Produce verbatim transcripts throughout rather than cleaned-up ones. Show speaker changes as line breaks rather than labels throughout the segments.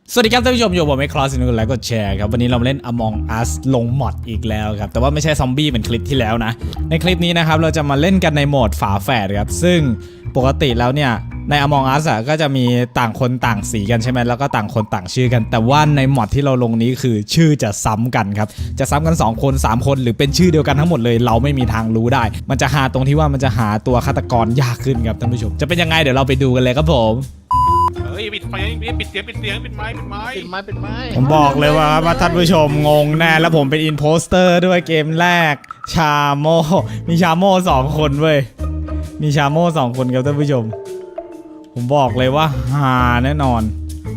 สวัสดีครับท่านผู้ชมอยู่ผมไมค์คลอสนุกไลค์กดแชร์ครับวันนี้เราเล่น Among Us ลงมอดอีกแล้วครับแต่ว่าไม่ใช่ซอมบี้เหมือนคลิปที่แล้วนะในคลิปนี้นะครับเราจะมาเล่นกันในโหมดฝาแฝดครับซึ่งปกติแล้วเนี่ยใน Among Us อ่ะก็จะมีต่างคนต่างสีกันใช่ไหมแล้วก็ต่างคนต่างชื่อกันแต่ว่าในมอดที่เราลงนี้คือชื่อจะซ้ำกันครับจะซ้ำกันสองคนสามคนหรือเป็นชื่อเดียวกันทั้งหมดเลยเราไม่มีทางรู้ได้มันจะหาตรงที่ว่ามันจะหาตัวฆาตกรยากขึ้นครับท่านผู้ชมจะเป็นยังไงเดี๋ยวเราไปดูกันเลยครับผม
เฮ้ยปิดไฟปิดเสียงปิดเสียงปิดไม้ปิดไม้
ปิดไม้ปิดไม้
ผมบอกเลยว่าว่าท่านผู้ชมงงแน่แล้วผมเป็นอินโพสเตอร์ด้วยเกมแรกชาโมมีชาโมสองคนเว้ยมีชาโมสองคนครับท่านผู้ชมผมบอกเลยว่าฮาแน่นอน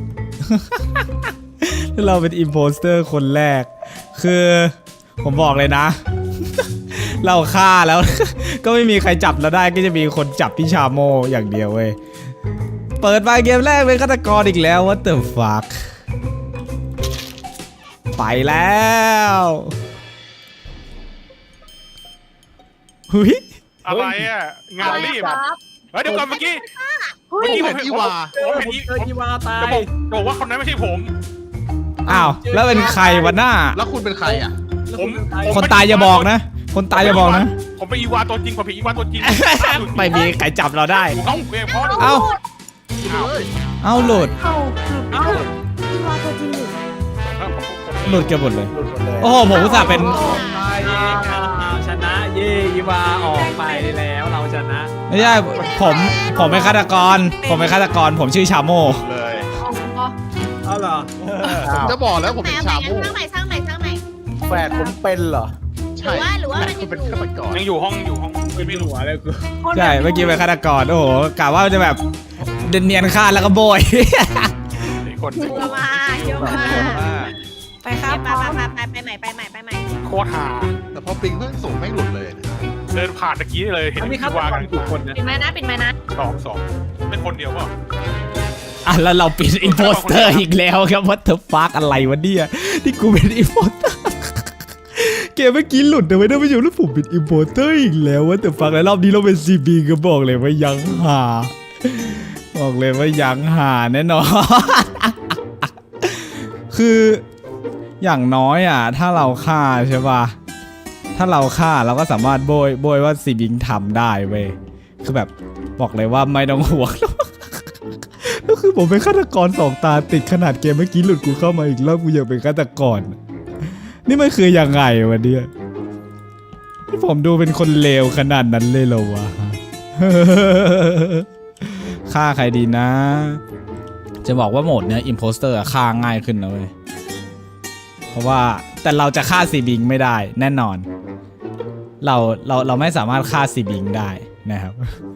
ถ้าเราเป็นอินโพสเตอร์คนแรกคือผมบอกเลยนะ เราฆ่าแล้ว ก็ไม่มีใครจับเราได้ก็จะมีคนจับพี่ชาโมอย่างเดียวเว้ยเปิดมาเกมแรกเป็นฆาตกรอีกแล้ว what the fuck ไปแล้วหุย
อะไรอ่ะงานรีบเฮ้ยเดี๋ยวก่อนเมื่อกี้เมื่อกี้ผมเห็นอีวาผมเห็นอีวาตายจะบอกว่าคนนั้นไม่ใช่ผม
อ้าวแล้วเป็นใครวะหน้า
แล้วคุณเป็นใครอ่ะ
ผม
คนตายอย่าบอกนะคนตายอย่าบอกนะ
ผมเป็นอีวาตัวจริงผมเป็นอีวาตัวจริง
ไม่มีใครจับเราได้
เอ้าเว้ยพ่อ
เอ้าเอ้าหลุด
เอ้าเอ้าอีวาตัวจริงหลุด
หลุดกันหมดเลยโอ้โหผมอุตส่าห์เป็น
ชนะเย่อีวาออกไปแล้วเราชนะ
ไม่ใช่ผมผมเป็นฆาตกรผมเป็นฆาตกรผมชื่อชาโม
เลย
เอาเหรอ
ผมจะบอกแล้วผมเป็นชาโม่
ช่างใหม่ช่างใหม่ช่างใหม่
แฝดผมเป็นเหรอ
ใช่
หรือว่าหรือว่ามัน
เป็นฆาตกร
ยังอยู่ห้องอยู่ห้องไม่รู้อะไรกู
ใช่เมื่อกี้เป็นฆาตกรโอ้โหกะว่าจะแบบเนียนฆ่าแล้วก็โบย
คน
เยอะมากเยอะมากไปครับไปไปไปไปใหม่ไปใหม่ไปใหม่
โคตรหา
แต่พอปิงเพิ่งสูงไม่หลุดเลย
เดินผ่านตะกี้เลยเห็นอีวากัน
กี่คนนะ
ปิดไม้นะปิดไม้นะ
สองสองไม่คนเดียวเปล่า
อ่ะแล้วเราปิดอินโพสเตอร์อีกแล้วครับว่าเธอฟากอะไรวะเนี่ยที่กูเป็นอินโพสเตอร์เกมเมื่อกี้หลุดเอาไว้ได้ไม่ใช่แล้วผมเป็นอินโพสเตอร์อีกแล้วว่าแต่ฟังแล้วรอบนี้เราเป็นซีบีก็บอกเลยว่ายังหาบอกเลยว่ายังหาแน่นอนคืออย่างน้อยอ่ะถ้าเราฆ่าใช่ป่ะถ้าเราฆ่าเราก็สามารถโบยโบยว่าซีบิงทำได้เว้ยคือแบบบอกเลยว่าไม่ต้องห่วงก็คือผมเป็นฆาตกรสองตาติดขนาดเกมเมื่อกี้หลุดกูเข้ามาอีกรอบกูยังเป็นฆาตกรนี่มันคือยังไงวะเนี่ยที่ผมดูเป็นคนเลวขนาดนั้นเลยเหรอวะฆ่าใครดีนะจะบอกว่าโหมดเนี้ยอิมโพสเตอร์ฆ่าง่ายขึ้นนะเว้ยเพราะว่าแต่เราจะฆ่าซีบิงไม่ได้แน่นอนเราเราเราไม่สามารถฆ่าซีบิงได้นะครับ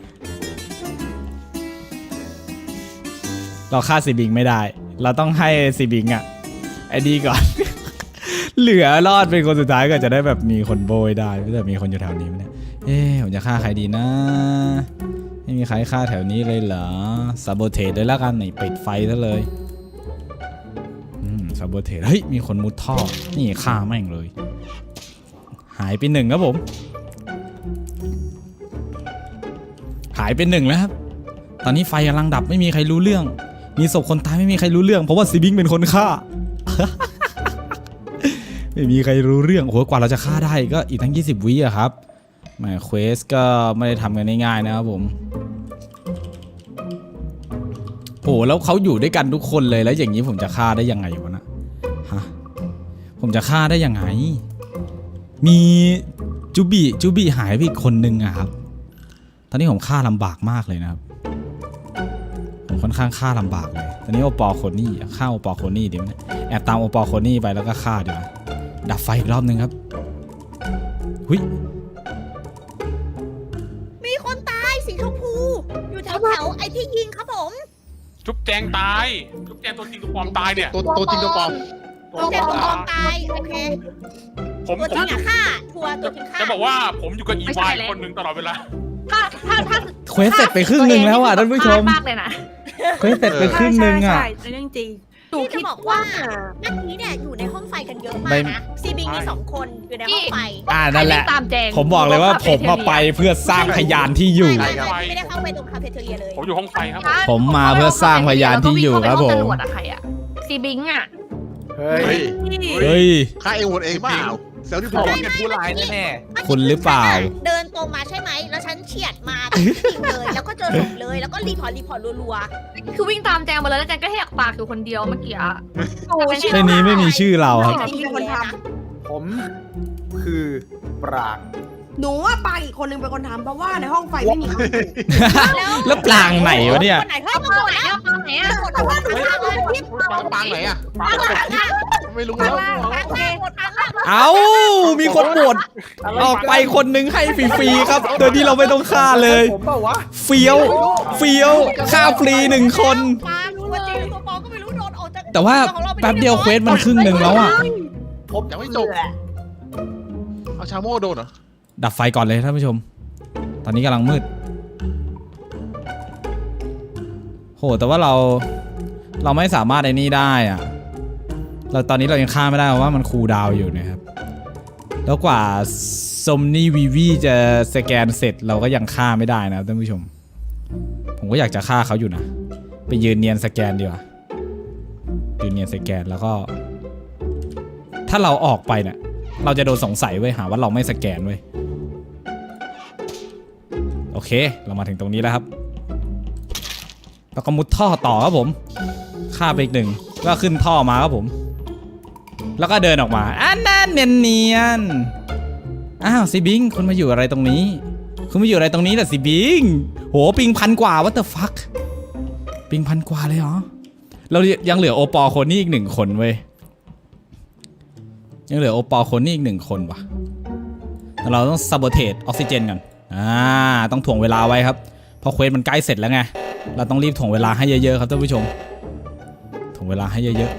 เราฆ่าซีบิงไม่ได้เราต้องให้ซีบิงอ่ะไอ้ดีก่อน เหลือรอดเป็นคนสุดท้ายก็จะได้แบบมีคนโบยได้แต่มีคนอยู่แถวนี้ไหมเนี่ยเอ๊ะผมจะฆ่าใครดีนะไม่มีใครฆ่าแถวนี้เลยเหรอซาโบเทสเลยแล้วกันไหนปิดไฟซะเลยอืมซาโบเทสเฮ้ยมีคนมุดท่อนี่ฆ่าแม่งเลยหายไปหนึ่งครับผมหายไปหนึ่งแล้วครับตอนนี้ไฟกำลังดับไม่มีใครรู้เรื่องมีศพคนตายไม่มีใครรู้เรื่องเพราะว่าซีบิงเป็นคนฆ่า ไม่มีใครรู้เรื่องโอ้โหกว่าเราจะฆ่าได้ก็อีกทั้งยี่สิบวิอะครับแหมเควสก็ไม่ได้ทำกันง่ายๆนะครับผมโอ้แล้วเขาอยู่ด้วยกันทุกคนเลยแล้วอย่างนี้ผมจะฆ่าได้ยังไงวะนะฮะผมจะฆ่าได้ยังไงมีจูบิจูบิหายไปอีกคนนึงอะครับตอนนี้ผมฆ่าลำบากมากเลยนะครับผมค่อนข้างฆ่าลำบากเลยตอนนี้โอปอลโคนี่ฆ่าโอปอลโคนี่ดิมั้ยแอบตามโอปอลโคนี่ไปแล้วก็ฆ่าดีกว่าดับไฟอีกรอบนึงครับหุย
มีคนตายสีชมพูอยู่แถวแถวไอ้ที่ยิงครับผม
จุ๊บแจงตายจุ๊บแจงตัวจริงตัวปลอมตายเนี่ย
ตัวตัวจริงตัวปลอม
ตัวจริงตัวปลอมตายโอเค
ผม
ตัวจริงอะฆ่าทัวร์ตัวจริงฆ่า
จะบอกว่าผมอยู่กับอีวายคนหนึ่งตลอดเวลา
ถ้าถ้าถ้า
เควสเสร็จไปครึ่งหนึ่งแล้วอ่ะท่านผู้ชม
มากเลยนะ
เควสเสร็จไปครึ่งหนึ่งอ่ะ
เรื่องจริงหนูคิดบอกว่าเมื่อกี้เนี่ยอยู่ในห้องไฟกันเยอะมากนะซีบิงมีสองคนอยู่ในห้องไฟ
อ่านั่นแหละผมบอกเลยว่าผมมาไปเพื่อสร้างพยานที่อยู่
ไม่ได้เข้าไปตรงคาเฟ่เทอเรียเลย
ผมอยู่ห้องไฟครับ
ผมมาเพื่อสร้างพยานที่อยู่ครับผม
ซีบิงอ่ะ
เฮ้
เฮ้
ย
ย
เฮ้ย
ฆ่าเองโหวตเองเปล่าเซลล์ที่ผ
ผม
ม
ว่าเป็นผู้ร้ายแน่
คุณหรือเปล่า
เดินตรงมาใช่ไหมแล้วฉันเฉียดมาจริงเลยแล้วก็เจอศพเลยแล้วก็รีพอร์ตรีพอร์ตรัว
คือวิ่งตามแจงมาเลยแล้วแจงก็แหกปากอยู่คนเดียวเมื่อกี้อะ
ๆโอ้ย
ในนี้ไม่มีชื่อเราครับ
มีคนท
ๆผมคือปราง
หนูว่าปางอีกคนนึงเป็นคนทำเพราะว่าในห้องไฟไม่มีใครอยู่
ำ
แล้วปลางไหนวะเนี่ย
คนไหนเฮ้ย
เอา
มา
ปา
ห
ง
มด
ไหน
แล้ว
เอาปางไหนอะ
หมดแล้วหมดแล้วที่
ปางปางไหนอะ
ปางไหน
ไม่รู้แล้ว
โอเคหมดแล้ว
เอ้า มีคนโหวตออกไปคนหนึงให้ฟรีๆครับ โดยที่เราไม่ต้องฆ่าเลย
ผมเปล่าวะ
เฟี้ยว เฟี้ยว ฆ่าฟรีหนึ่งคน
ปางตัวจริงตัวปลอมก็ไม่รู้โดนออกจาก
แต่ว่าแป๊บเดียวเควสมันครึ่งหนึ่งแล้วอ่ะ
ผมยังไม่จบเอาชาโม่โดนเหรอ
ดับไฟก่อนเลยท่านผู้ชม ตอนนี้กำลังมืด โห แต่ว่าเรา เราไม่สามารถไอ้นี่ได้อะเราตอนนี้เรายังฆ่าไม่ได้เพราะว่ามันคูลดาวน์อยู่นะครับ แล้วกว่าซอมนี่วีวีจะสแกนเสร็จเราก็ยังฆ่าไม่ได้นะครับท่านผู้ชม ผมก็อยากจะฆ่าเขาอยู่นะ ไปยืนเนียนสแกนดีกว่า ยืนเนียนสแกนแล้วก็ ถ้าเราออกไปเนี่ย เราจะโดนสงสัยเว้ยหาว่าเราไม่สแกนเว้ย โอเค เรามาถึงตรงนี้แล้วครับ แล้วก็มุดท่อต่อครับผมฆ่าไปอีกหนึ่งก็ขึ้นท่อมาครับผม แล้วก็เดินออกมาอันนั้นเนียนเนียนๆอ้าวซีบิงคุณมาอยู่อะไรตรงนี้ คุณมาอยู่อะไรตรงนี้ล่ะซีบิงโหปิงพันกว่า what the fuck ปิงพันกว่าเลยเหรอ เรายังเหลือโอปอลคนนี้อีกหนึ่งคนเว้ย ยังเหลือโอปอลคนนี้อีกหนึ่งคนว่ะแต่เราต้อง sabotage ออกซิเจนกันอ่าต้องถ่วงเวลาไว้ครับเพราะเควสมันใกล้เสร็จแล้วไงเราต้องรีบถ่วงเวลาให้เยอะๆครับท่านผู้ชมถ่วงเวลาให้เยอะ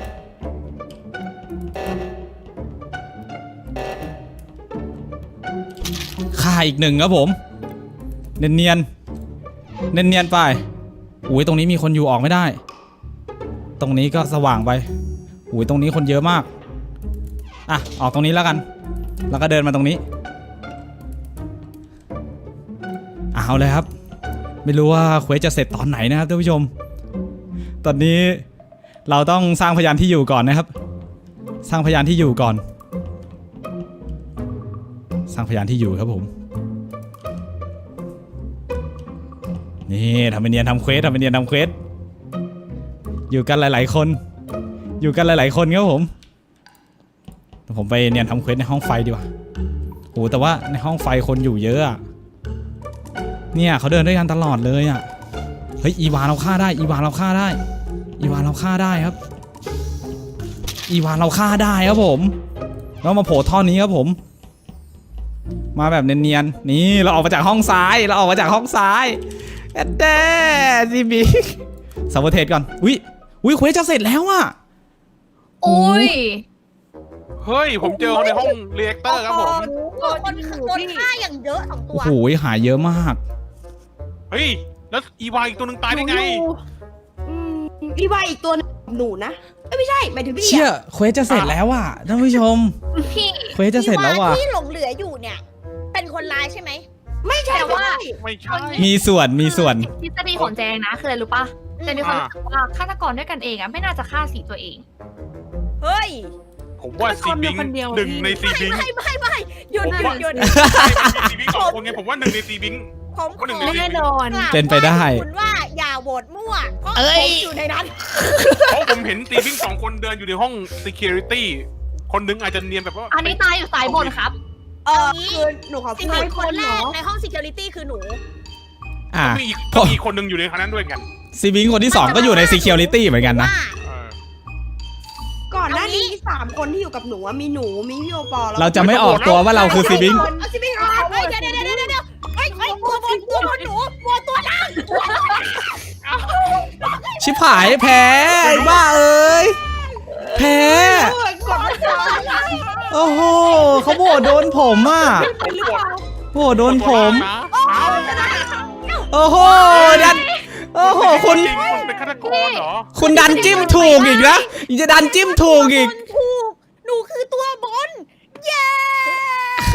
ๆฆ่าอีกหนึ่งครับผมเนียนเนียนเนียนเนียนๆไปอุ้ยตรงนี้มีคนอยู่ออกไม่ได้ ตรงนี้ก็สว่างไปอุ้ยตรงนี้คนเยอะมากอ่ะออกตรงนี้แล้วกันแล้วก็เดินมาตรงนี้เอาเลยครับไม่รู้ว่าเควสจะเสร็จตอนไหนนะครับท่านผู้ชมตอนนี้เราต้องสร้างพยานที่อยู่ก่อนนะครับสร้างพยานที่อยู่ก่อน สร้างพยานที่อยู่ครับผมนี่ทำเป็นเนียนทำเควสทำเป็นเนียนทำเควสอยู่กันหลายๆคนอยู่กันหลายๆคนครับผมผมไปเนียนทำเควสในห้องไฟดีกว่าโหแต่ว่าในห้องไฟคนอยู่เยอะอะเนี่ยเขาเดินด้วยกันตลอดเลยอ่ะเฮ้ยอีวานเราฆ่าได้อีวานเราฆ่าได้อีวานเราฆ่าได้ครับอีวานเราฆ่าได้ครับผมแล้วมาโผล่ท่อนี้ครับผมมาแบบเนียนๆนี่เราออกมาจากห้องซ้ายเราออกมาจากห้องซ้ายแอดเด้ซีบีสับเทสก่อนอุ้ยอุ้ยเควสจะเสร็จแล้วอ่ะ
โอ้ย
เฮ้ยผมเจอคนในห้องเรียกเตอร์ครับผม
คนโดนฆ่าอย่างเยอะสองตัว
โอ้โหหายเยอะมาก
เฮ้ยแล้วอีวาอีกตัวหนึ่งตายได้ไง
อืมพี่ว่าอีกตัวหนึ่งหนูนะเอ้ยไม่ใช่หมายถึงพี่
เชี่ย
อะ
เควสจะเสร็จแล้วอ่ะท่านผู้ชม
พี่
เควสจะเสร็จแล้วว่ะ
ที่หลงเหลืออยู่เนี่ย เป็นคนร้ายใช่ไหม
ไม่ใช่
แต่ว่า
ไม่ใช่
มีส่วนมีส่วน
ทฤษฎีของแจงนะคืออะไรรู้ป่ะแจงมีความรู้สึกว่าฆาตกรด้วยกันเองอะไม่น่าจะฆ่าสีตัวเอง
เฮ้ย
ผมว่าซีบิงหนึ่งในซีบิง
ไม่ไม่ไม่หยุดหยุดหยุด
ซีบิงสองคนไงผมว่าหนึ่งในซีบิง
ผมขอ
แน่นอน
เป็นไปได้
คุณว่าอย่าโหวตมั่วเพราะ
เอ้
ผ
ย
มอยู่ในนั้น
เพราะผมเห็นซีบิงสองคนเดินอยู่ในห้อง security คนหนึงอาจจะเนียนแบบว่า
อันนี้ตายอยู่สายบนครับ
เออคือหนูขอ
สิ
พู
บ
ด
คนแร
เนาะ
กในห้อง security คือหนู
อ่ะ
มีอีกก็มีคนหนึงอยู่ในคณะนั้นด้วยกัน
ซีบิงคนที่สองก็อยู่ใน security เหมือนกันนะ
ว่า
เออ
ก่อนหน้านี้มีสามคนที่อยู่กับหนูอะมีหนูมีพี่โอปอแล้ว
เราจะไม่ออกตัวว่าเราคือซีบิง
เอาซีบิงเอา
เฮ้ยเดี๋ยวเดี๋ยวเดี๋ยวเดี๋ยวเฮ้ยเฮ้ยตัวบนตัวบนหนูตัวตัวล่าง
ชิบหายแพ้ไอ้บ้าเอ้ยแพ้
เออกดไม่ได้
โอ้โหเขาโหวตโดนผมอ่ะ
เป็นหรือเปล่า
โหวตโดนผม
นะเอา
โอ้โหดันโอ้โหคุณ
จริงคุณเป็นฆาตกรเหรอ
คุณดันจิ้มถูกอีกนะยังจะดันจิ้มถูกอีก
บนถูกหนูคือตัวบน เย้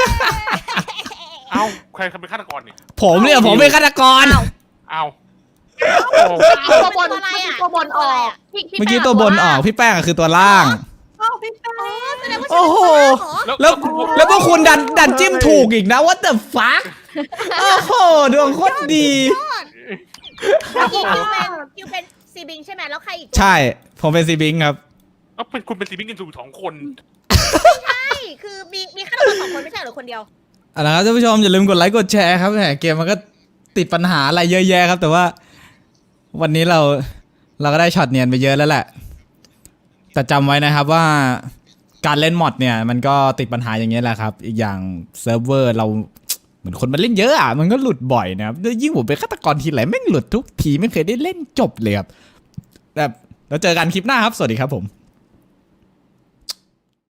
เอาใครเป็นฆาตกรเนี่ย
ผมเนี่ยผมเป็นฆาตกร
เอา
ตัวบน
อะไรอ่ะ
ตัวบนออกพี่
เมื่อกี้ตัวบนออกพี่แป้งอะคือตัวล่าง
อ้าวพี่แป้ง
แสดงว่า
โอ้โห แล้วแล้วพวกคุณดันดันจิ้มถูกอีกนะ what the fuck โอ้โหดวงโคตรดี
เมื่อกี้คิวเป็นคิวเป็นซีบิงใช่ไหมแล้วใครอีก
ใช่ ผมเป็นซีบิงครับ
เอาเป็นคุณเป็นซีบิงกันอยู่สองคน
ใช่คือมีมีฆาตกรสองคนไม่ใช่เหรอคนเดียว
เอาละครับท่านผู้ชมอย่าลืมกดไลค์กดแชร์ครับแหมเกมมันก็ติดปัญหาอะไรเยอะแยะครับ แต่ว่าวันนี้เราเราก็ได้ช็อตเนียนไปเยอะแล้วแหละ แต่จำไว้นะครับว่าการเล่นมอดเนี่ยมันก็ติดปัญหาอย่างเงี้ยแหละครับ อีกอย่างเซิร์ฟเวอร์เราเหมือนคนมันเล่นเยอะอ่ะมันก็หลุดบ่อยนะครับยิ่งผมเป็นฆาตกรทีไรแม่งหลุดทุกทีไม่เคยได้เล่นจบเลยครับแบบแล้วเจอกันคลิปหน้าครับสวัสดีครับผม